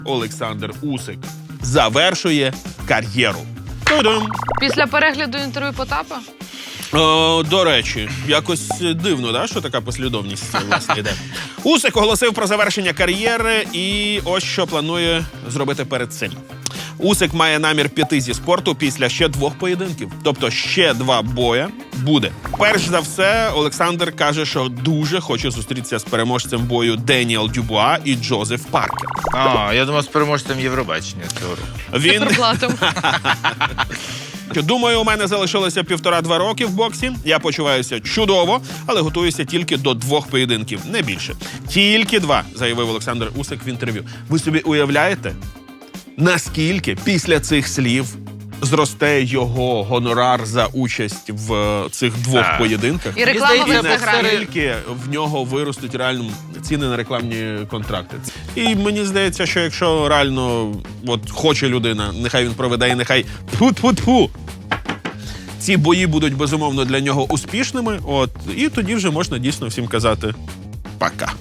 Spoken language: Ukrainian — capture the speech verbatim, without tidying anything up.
Олександр Усик завершує кар'єру. Та-дам! Після перегляду інтерв'ю Потапа? О, до речі, якось дивно, да, що така послідовність власне йде. Усик оголосив про завершення кар'єри і ось що планує зробити перед цим. Усик має намір піти зі спорту після ще двох поєдинків. Тобто ще два боя буде. Перш за все, Олександр каже, що дуже хоче зустрітися з переможцем бою Деніел Дюбуа і Джозеф Паркер. А, я думав, з переможцем Євробачення цього року. Він... Циферблатом. Думаю, у мене залишилося півтора-два роки в боксі. Я почуваюся чудово, але готуюся тільки до двох поєдинків, не більше. Тільки два, заявив Олександр Усик в інтерв'ю. Ви собі уявляєте, наскільки після цих слів зросте його гонорар за участь в цих двох Так. поєдинках? І реклама здається, вже програє. Наскільки в нього виростуть реально ціни на рекламні контракти. І мені здається, що якщо реально от, хоче людина, нехай він проведе і нехай тьфу-тьфу-тьфу, ці бої будуть, безумовно, для нього успішними, от, і тоді вже можна дійсно всім казати «пока».